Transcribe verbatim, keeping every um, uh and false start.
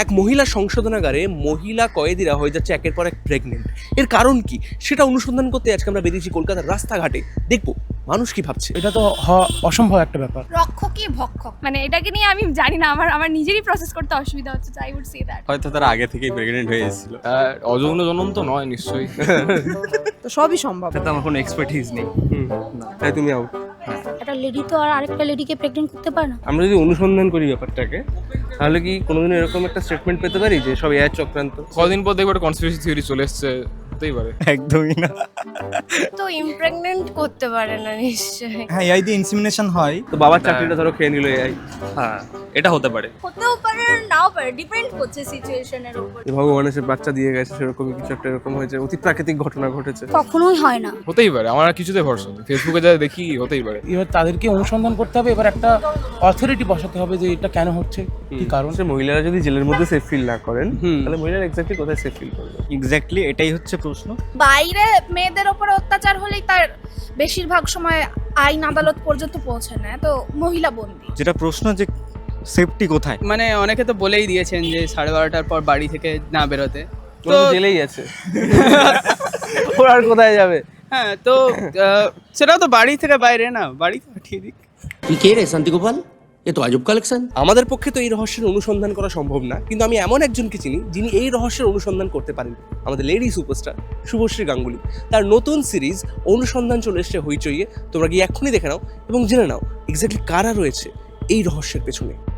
এক মহিলা সংশোধনাগারে মহিলা কয়েদিরা হয়ে যাচ্ছে একের পর এক প্রেগনেন্ট। এর কারণ কি সেটা অনুসন্ধান করতে আজকে আমরা বেরিয়েছি কলকাতার রাস্তাঘাটে। দেখবো মানুষ কি ভাবছে। এটা তো হওয়া অসম্ভব একটা ব্যাপার। রক্ষকই ভক্ষক, মানে এটাকে নিয়ে আমি জানি না, আমার আমার নিজেরই প্রসেস করতে অসুবিধা হচ্ছে। আই উড সে দ্যাট হয়তো তারা আগে থেকেই প্রেগনেন্ট হয়ে এসেছিল। অযৌন জনন তো নয় নিশ্চয়ই। তো সবই সম্ভব। এটা আমার কোনো এক্সপার্টিস নেই। তাই তুমি আউট। একটা লেডি তো আর আরেকটা লেডিকে প্রেগনেন্ট করতে পারে না। আমরা যদি অনুসন্ধান করি ব্যাপারটাকে, তাহলে কি কোনোদিন এরকম একটা স্টেটমেন্ট পেতে পারি যে সব এআই চক্রান্ত? কদিন পর দেখবো কনস্পিরেসি থিওরি চলে এসছে, হতেই পারে। একদমই না। তো ইমপ্রেগনেন্ট করতে পারে না নিশ্চয়ই। হ্যাঁ, এআই দিয়ে ইনসিমিনেশন হয়। তো বাবার চাকরিটা ধরো খেয়ে নিল এআই। হ্যাঁ, এটা হতে পারে। হতেও পারে নাও পারে, ডিপেন্ড করছে সিচুয়েশনের উপর। ভগবান এসে বাচ্চা দিয়ে গেছে, সেরকমই কিছু একটা এরকম হয়েছে, অতি প্রাকৃতিক ঘটনা ঘটেছে। কখনোই হয় না। হতেই পারে, আমার আর কিছুতে ভরসা নেই। ফেসবুকে যা দেখি হতেই পারে। এবার তাদেরকে অনুসন্ধান করতে হবে, এবার একটা অথরিটি বসাতে হবে যে এটা কেন হচ্ছে, কি কারণ। সে মহিলারা যদি জেলের মধ্যে সেফ ফিল না করেন, তাহলে মহিলারা এক্স্যাক্টলি কোথায় সেফ ফিল করবে? এক্স্যাক্টলি এটাই হচ্ছে প্রশ্ন। বাইরে মেয়েদের ওপর অত্যাচার হলেই তার বেশিরভাগ সময় আইন আদালত পর্যন্ত পৌঁছে না, তো মহিলা বন্দী। যেটা প্রশ্ন যে সেফটি কোথায়। মানে অনেকে তো বলেই দিয়েছেন যে সাড়ে বারোটার পর বাড়ি থেকে না বেরোতে। তো জেলেই আছে, ওর আর কোথায় যাবে? হ্যাঁ, তো আহ, সেটাও তো বাড়ি থেকে বাইরে না, বাড়ি তো পাঠিয়ে দিক। ये के रे शांति गोपाल, ये तो अजब कलेक्शन। আমাদের পক্ষে তো এই রহস্যের অনুসন্ধান করা সম্ভব না, কিন্তু আমি এমন একজনকে চিনি যিনি এই রহস্যের অনুসন্ধান করতে পারেন। আমাদের লেডি সুপারস্টার শুভশ্রী গাঙ্গুলি। তার নতুন সিরিজ অনুসন্ধান চলে এসছে হইচইয়ে। তোমরা গিয়ে এক্ষুনি দেখে নাও এবং জেনে নাও এক্স্যাক্টলি কারা রয়েছে এই রহস্যের পেছনে।